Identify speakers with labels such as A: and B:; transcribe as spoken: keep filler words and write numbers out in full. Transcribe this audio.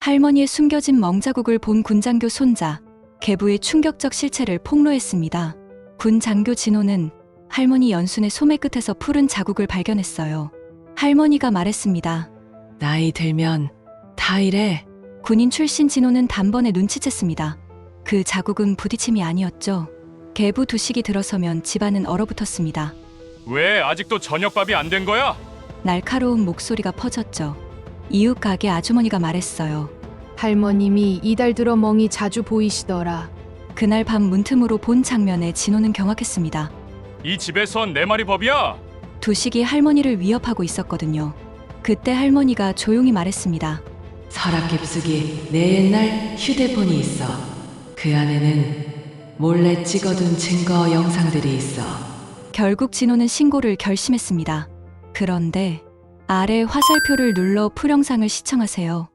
A: 할머니의 숨겨진 멍자국을 본 군장교 손자, 계부의 충격적 실체를 폭로했습니다. 군장교 진호는 할머니 연순의 소매 끝에서 푸른 자국을 발견했어요. 할머니가 말했습니다.
B: 나이 들면 다 이래.
A: 군인 출신 진호는 단번에 눈치챘습니다. 그 자국은 부딪힘이 아니었죠. 계부 두식이 들어서면 집안은 얼어붙었습니다.
C: 왜 아직도 저녁밥이 안 된 거야?
A: 날카로운 목소리가 퍼졌죠. 이웃 가게 아주머니가 말했어요.
D: 할머님이 이달 들어 멍이 자주 보이시더라.
A: 그날 밤 문틈으로 본 장면에 진호는 경악했습니다.
C: 이 집에선 내 말이 법이야.
A: 두식이 할머니를 위협하고 있었거든요. 그때 할머니가 조용히 말했습니다.
B: 서랍 깊숙이 내 옛날 휴대폰이 있어. 그 안에는 몰래 찍어둔 증거 영상들이 있어.
A: 결국 진호는 신고를 결심했습니다. 그런데 아래 화살표를 눌러 풀영상을 시청하세요.